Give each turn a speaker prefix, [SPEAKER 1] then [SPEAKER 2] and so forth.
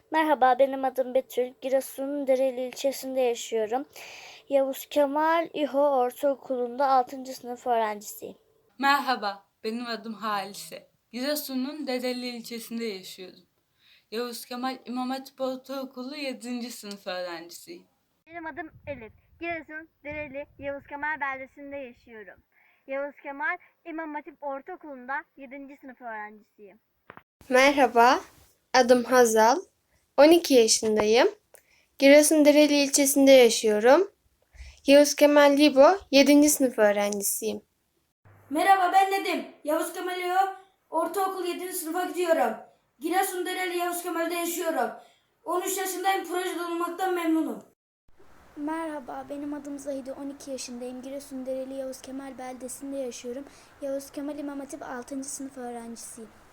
[SPEAKER 1] Merhaba, benim adım Betül. Giresun'un Dereli ilçesinde yaşıyorum. Yavuz Kemal İHO Ortaokulu'nda 6. sınıf öğrencisiyim.
[SPEAKER 2] Merhaba, benim adım Halise. Giresun'un Dedeli ilçesinde yaşıyorum. Yavuz Kemal İmam Hatip Ortaokulu 7. sınıf öğrencisiyim.
[SPEAKER 3] Benim adım Elif. Giresun, Dereli, Yavuz Kemal beldesinde yaşıyorum. Yavuz Kemal İmam Hatip Ortaokulu'nda 7. sınıf öğrencisiyim.
[SPEAKER 4] Merhaba, adım Hazal. 12 yaşındayım. Giresundereli ilçesinde yaşıyorum. Yavuz Kemal Libo 7. sınıf öğrencisiyim.
[SPEAKER 5] Merhaba ben Nedim. Yavuz Kemal Ortaokul 7. sınıfa gidiyorum. Giresundereli Yavuz Kemal'de yaşıyorum. 13 yaşındayım, projede olmaktan memnunum.
[SPEAKER 6] Merhaba, benim adım Zahide, 12 yaşındayım. Giresundereli Yavuz Kemal beldesinde yaşıyorum. Yavuz Kemal İmam Hatip 6. sınıf öğrencisiyim.